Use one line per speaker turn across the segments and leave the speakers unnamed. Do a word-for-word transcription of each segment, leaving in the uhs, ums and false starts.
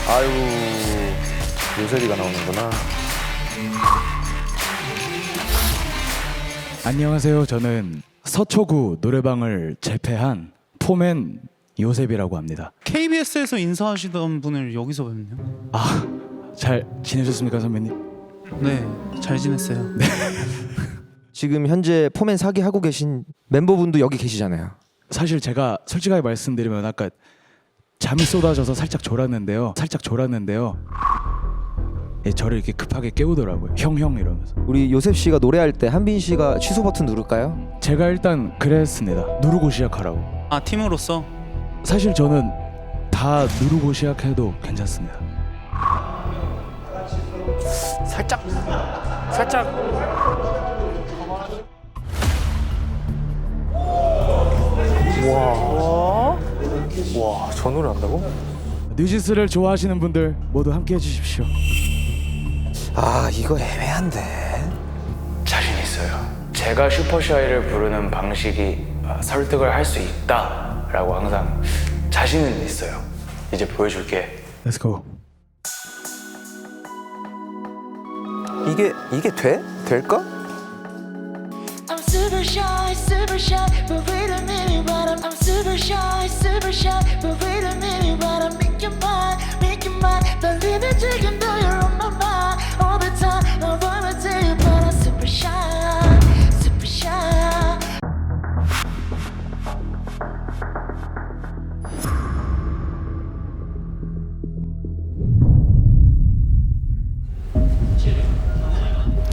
아유, 요셉이가 나오는구나.
안녕하세요. 저는 서초구 노래방을 재패한 포맨 요셉이라고 합니다.
케이비에스에서 인사하시던 분을 여기서 뵙네요.
아, 잘 지내셨습니까, 선배님?
네, 잘 지냈어요.
지금 현재 포맨 사기 하고 계신 멤버분도 여기 계시잖아요.
사실 제가 솔직하게 말씀드리면 아까 잠이 쏟아져서 살짝 졸았는데요. 살짝 졸았는데요. 예, 저를 이렇게 급하게 깨우더라고요. 형, 형 이러면서.
우리 요셉 씨가 노래할 때 한빈 씨가 취소 버튼 누를까요?
제가 일단 그랬습니다. 누르고 시작하라고.
아, 팀으로서?
사실 저는 다 누르고 시작해도 괜찮습니다.
살짝 살짝 와, 저 노래 한다고?
뉴지스를 좋아하시는 분들 모두 함께 해주십시오.
아, 이거 애매한데.
자신 있어요. 제가 슈퍼샤이를 부르는 방식이 아, 설득을 할 수 있다라고 항상 자신은 있어요. 이제 보여줄게.
Let's go.
이게 이게 돼? 될까?
I'm super shy, super shy, but wait a minute, but I'm, I'm super shy, super shy, but wait a minute, but I'm making mine, making mine. Believe it, 지금 though you're on my mind all the time. I wanna tell you, but I'm super shy, super shy.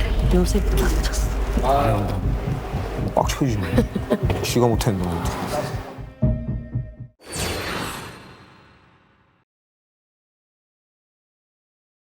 요새 빡쳤어.
빡쳐지네. 쥐가 못했나 보다.